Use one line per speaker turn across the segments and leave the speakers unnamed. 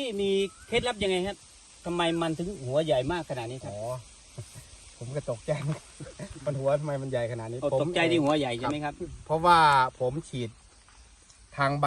มีเคล็ดลับยังไงครับทำไมมันถึงหัวใหญ่มากขนาดนี้ครับ
อ๋อ ผมก็ตกใจ มันหัวทำไมมันใหญ่ขนาดนี้
ตกใจที่หัวใหญ่ใช่ไหมครับ
เพราะว่าผมฉีดทางใบ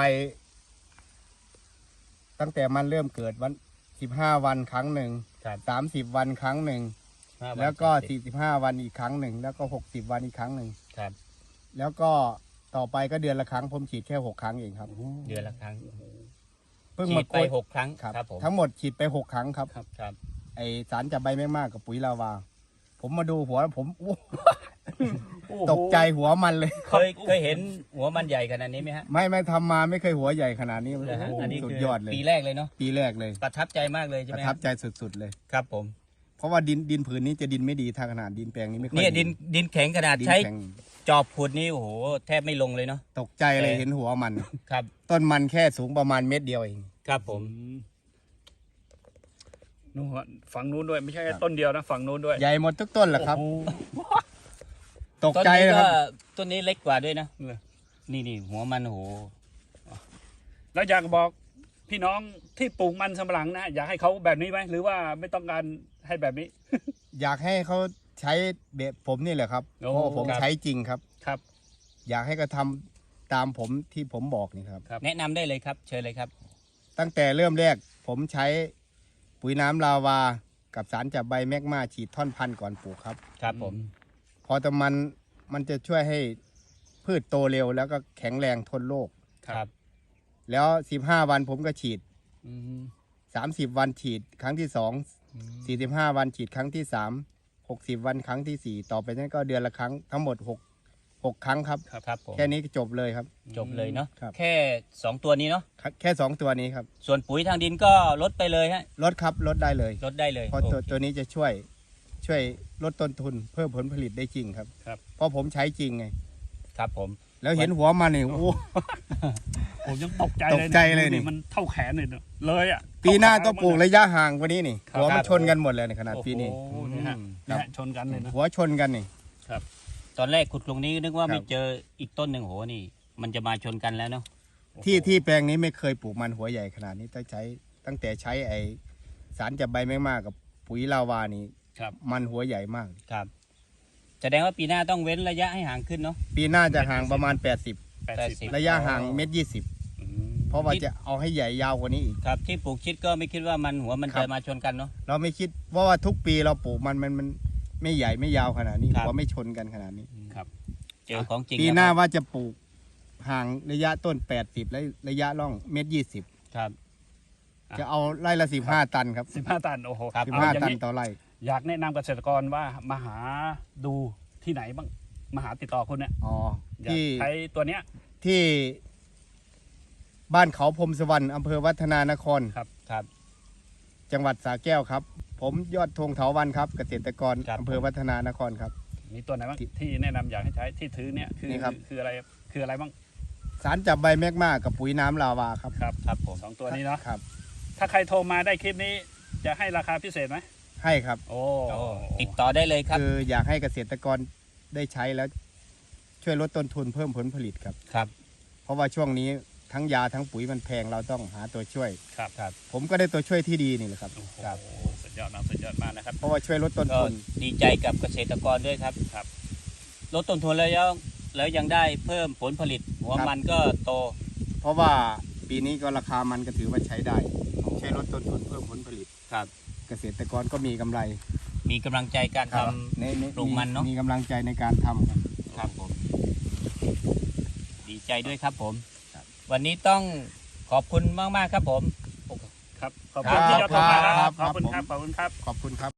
ตั้งแต่มันเริ่มเกิดวัน15 วันครั้งหนึ่ง
ครับ
30 วันครั้งหนึ่งแล้วก็45 วันอีกครั้งหนึ่งแล้วก็60 วันอีกครั้งหนึ่ง
ครับ
แล้วก็ต่อไปก็เดือนละครั้งผมฉีดแค่6 ครั้งเองครับ
เดือนละครั้ง
เพิ่ง
ฉี
มา
ดไป6 ครั้ง
ครับ
ผม
ทั้งหมดฉีดไป6 ครั้งครับ
ครับ
ไอสารจับใบแมกมากับปุ๋ยลาวา ผมมาดูหัวแล้วผมตกใจหัวมันเลย
เคยเห็นหัวมันใหญ่ขนาดนี้ไหมฮะ
ไม่ทำมาไม่เคยหัวใหญ่ขนาดนี้
นะฮะอันนี้
สุด
คือย
อดเลย
ปีแรกเลยเนาะ
ปีแรกเลย
ประทับใจมากเลยใช่
ป
ไหม
ระทับใจสุดๆเลย
ครับผม
เพราะว่าดินผืนนี้จะดินไม่ดีทางขนาดดินแปลงนี้ไม่ค่อย
เนี่ยดินแข็งขนาด
ดิน
ใช้
แข็ง
จอบขุดนี่โอ้โหแทบไม่ลงเลยเนาะ
ตกใจเลยเห็นหัวมัน
ครับ
ต้นมันแค่สูงประมาณเม็ดเดียวเอง
ครับผม
นู่นฝั่งนู้นด้วยไม่ใช่แค่ต้นเดียวนะฝั่งนู้นด้วย
ใหญ่หมดทุกต้นแหละครับ
โอ้โห
ตก
ต้น
ใจ
นี้
นะค
ก็
รับ
ต้นนี้เล็กกว่าด้วยนะนี่หัวมันโอ้โห
แล้วอยากบอกพี่น้องที่ปลูกมันสำปะหลังนะอยากให้เขาแบบนี้ไหมหรือว่าไม่ต้องการให้แบบนี้
อยากให้เขาใช้แบบผมนี่แหละครับ
โอ้
เพราะผม
ครับ
ใช้จริงครับ
ครับ
อยากให้เขาทำตามผมที่ผมบอกนี่ครับ
แนะนำได้เลยครับ เชิญเลยครับ
ตั้งแต่เริ่มแรกผมใช้ปุ๋ยน้ำลาวา กับสารจับใบแมกมาฉีดท่อนพันธุ์ก่อนปลูกครับ
ครับผม
พอแต่มันจะช่วยให้พืชโตเร็วแล้วก็แข็งแรงทนโรค
ครับ
แล้ว15 วันผมก็ฉีด
อืม
30 วันฉีดครั้งที่2 45 วันฉีดครั้งที่3 60 วันครั้งที่4ต่อไปนั้นก็เดือนละครั้งทั้งหมด6 ครั้งครับ
ครับผม
แค่นี้ก็จบเลยครับ
จบเลยเนาะ
ครับ
แค่2ตัวนี้เนาะ
แค่2 ตัวนี้ครับ
ส่วนปุ๋ยทางดินก็ลดไปเลยฮะ
ลดครับลดได้เลย
ลดได้เลย
เพราะตัว
โอเค
ตัวนี้จะช่วยลดต้นทุนเพิ่มผลผลิตได้จริงครับ
ครับ
เพราะผมใช้จริงไง
ครับผม
แล้วเห็นหัวมันนี่โอ้
ผมยังตกใจ
ตกใจเลยนี่
ดูมันเท่าแขนเลยเนอะเลยอ่ะ
ปีหน้าต้องปลูกระยะห่างกว่านี้นี่
ครับ
หัวมันชนกันหมดเลยในขนาด
โอ้โห
ปีนี้
นี่ฮะ
อืม
นี่ฮะชนกันเลยนะ
หัวชนกันนี่
ตอนแรกขุดลงนี้นึกว่า
ครับ
ไม่เจออีกต้นหนึ่งโหนี่ มันจะมาชนกันแล้วเนาะ
ที่แปลงนี้ไม่เคยปลูกมันหัวใหญ่ขนาดนี้ตั้งแต่ใช้ไอสารจับใบแมกมากับปุ๋ยลาวานี่
ครับ
มันหัวใหญ่มาก
ครับแสดงว่าปีหน้าต้องเว้นระยะให้ห่างขึ้นเนาะ
ปีหน้าจะห่างประมาณ
80
ระยะห่างเม็ด20
อืม
เพราะว่าจะเอาให้ใหญ่ยาวกว่านี้อีก
ครับที่ปลูกชิดก็ไม่คิดว่ามันหัวมัน
ครั
จะ
บ
มาชนกันเนาะ
เราไม่คิดว่าทุกปีเราปลูกมันไม่ใหญ่ไม่ยาวขนาดนี้
ครับ
หัวไม่ชนกันขนาดนี้
ครับ
เจอของจริง
ปีหน้า
แล้วครับ
ว่าจะปลูกห่างระยะต้น80และระยะร่องเม็ด20
ครับ
จะเอาไร่ละ15 ตันครับ
15 ตันโอ้โห
ครับ
เอาอย่า
15 ตั
ง
น
นี้
ต่อไร่
อยากแนะนำเกษตรกรว่ามาหาดูที่ไหนบ้างมาหาติดต่อคุณเนี่ย
อ๋อ
อยาก
ที่
ใช้ตัวเนี้ย
ที่บ้านเขาพรมสวรรค์อำเภอวัฒนานคร
ครับ
จังหวัดสระแก้วครับ ผมยอดธงเถาวันครับ เกษตรกร
ครับ
อำเภอวัฒนานครครับ
มีตัวไหนบ้างที่แนะนำอยากให้ใช้ที่ถือเนี่ยคือ
นี่ครับ
คืออะไรบ้าง
สารจับใบแมกมากับปุ๋ยน้ำลาวาครับ
ครับ
ครับผม
สองตัวนี้เนาะ
ครับ
ถ้าใครโทรมาได้คลิปนี้จะให้ราคาพิเศษไหม
ให้ครับ
โอ้
โอ้ติดต่อได้เลยครับ
คืออยากให้เกษตรกรได้ใช้แล้วช่วยลดต้นทุนเพิ่มผลผลิตครับ
ครับ
เพราะว่าช่วงนี้ทั้งยาทั้งปุ๋ยมันแพงเราต้องหาตัวช่วย
ครับ
ครับ
ผมก็ได้ตัวช่วยที่ดีนี่แหละครับ
โอ้โห
ครับ
สุดยอดนะสุดยอดมากนะครับ
เพราะว่าช่วยลดต้น
ก็
ทุน
ดีใจกับเกษตรกรด้วยครับ
ครับ
ลดต้นทุนแล้วยังได้เพิ่มผลผลิต หัวมันก็โต เพ
เพราะว่าปีนี้ก็ราคามันก็ถือว่าใช้ได้ช่วยลดต้นทุนเพิ่มผลผลิต
ครับ
เกษตรกรก็มีกำไร
มีกำลังใจการท
ใน
ปลูกมันเนอะ
มีกำลังใจในการทำครับ
ำครับผม ดีใจด้วยครับผม วันนี้ต้องขอบคุณมากๆครับผม
ครับขอบ
ครั
คุณ
บ
ที่ยอดโทรมา
ครับ
ขอบคุณ
ครับ
ครับขอบคุณครับ
ขอบคุณครับ